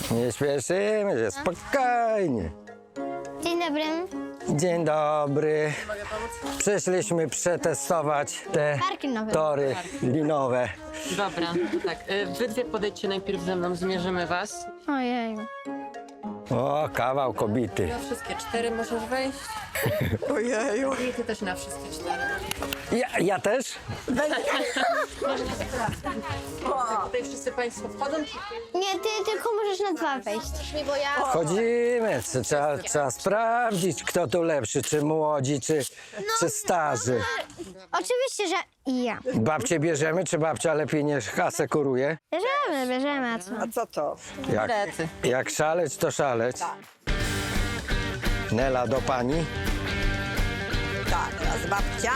Nie śpieszymy się, spokojnie. Dzień dobry. Dzień dobry. Przyszliśmy przetestować te Parki nowe. tory linowe. Dobra, to tak. Wy dwie podejdźcie najpierw ze mną, zmierzymy was. Ojej. O, kawał kobity. Na wszystkie 4 możesz wejść. Ojeju. I ty też na wszystkie 4. Ja też? Tutaj wszyscy państwo wchodzą. Nie, ty tylko możesz na 2 wejść. Bo ja... Chodzimy, trzeba sprawdzić, kto tu lepszy, czy młodzi, czy starzy. Oczywiście, że ja. Babcię bierzemy, czy babcia lepiej nie asekuruje? Bierzemy, a co? A co to? Jak szaleć, to szaleć. Nela do pani. Tak, teraz babcia.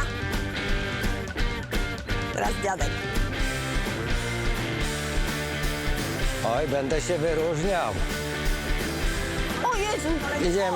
Teraz dziadek. Oj, będę się wyróżniał. O Jezu! Idziemy.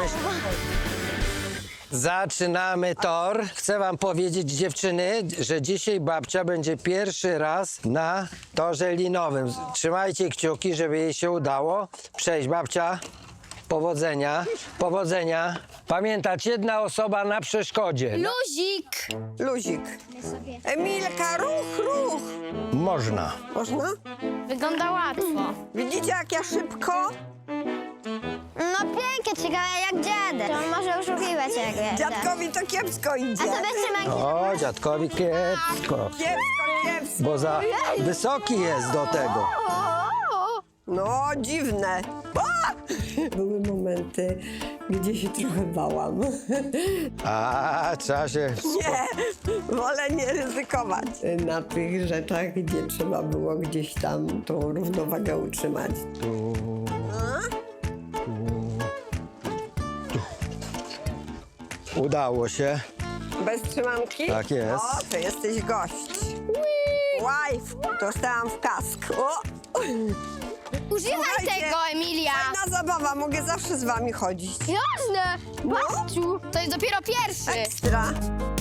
Zaczynamy tor. Chcę wam powiedzieć, dziewczyny, że dzisiaj babcia będzie pierwszy raz na torze linowym. Trzymajcie kciuki, żeby jej się udało przejść. Babcia, powodzenia, powodzenia. Pamiętać, jedna osoba na przeszkodzie. Luzik! Luzik. Emilka, ruch. Można. Można? Wygląda łatwo. Widzicie, jak ja szybko? No pięknie, ciekawe jak dziadek. To on może oszukiwać jak dziadek. Dziadkowi to kiepsko idzie. A sobie trzymanki. O, dziadkowi kiepsko, Kiepsko. bo za wysoki jest do tego. No, dziwne. A! Były momenty, gdzie się trochę bałam. A, trzeba się... Nie, wolę nie ryzykować. Na tych rzeczach, gdzie trzeba było gdzieś tam tą równowagę utrzymać. Udało się. Bez trzymanki? Tak jest. O, to jesteś gość. Wife, dostałam w kask. O! Używaj Słuchajcie, tego, Emilia! Fajna zabawa, mogę zawsze z wami chodzić. Jasne! Babciu, to jest dopiero pierwszy. Ekstra.